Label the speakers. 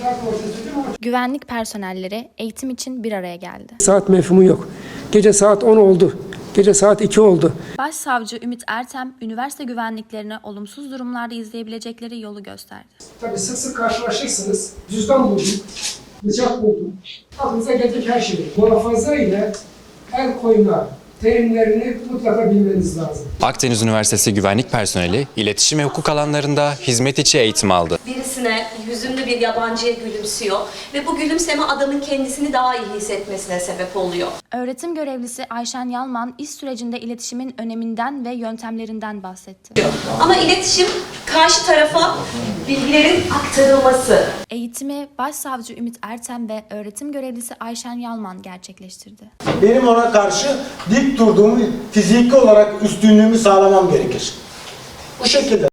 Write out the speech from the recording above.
Speaker 1: Güvenlik personelleri eğitim için bir araya geldi.
Speaker 2: Saat mefhumu yok. Gece saat 10 oldu. Gece saat 2 oldu.
Speaker 1: Başsavcı Ümit Ertem, üniversite güvenliklerine olumsuz durumlarda izleyebilecekleri yolu gösterdi.
Speaker 2: Tabii sık sık karşılaşırsınız. Cüzdan buldum, bıçak buldum. Aklınıza gelecek her şey. Muhafaza ile el koyma terimlerini mutlaka bilmeniz lazım.
Speaker 3: Akdeniz Üniversitesi güvenlik personeli iletişim ve hukuk alanlarında hizmet içi eğitim aldı.
Speaker 4: Birisine hüzünlü bir yabancıya gülümsüyor ve bu gülümseme adamın kendisini daha iyi hissetmesine sebep oluyor.
Speaker 1: Öğretim görevlisi Ayşen Yalman, iş sürecinde iletişimin öneminden ve yöntemlerinden bahsetti.
Speaker 4: Ama iletişim karşı tarafa bilgilerin aktarılması.
Speaker 1: Eğitimi Başsavcı Ümit Ertem ve öğretim görevlisi Ayşen Yalman gerçekleştirdi.
Speaker 5: Benim ona karşı dik durduğumu, fiziki olarak üstünlüğümü sağlamam gerekir. Bu şekilde.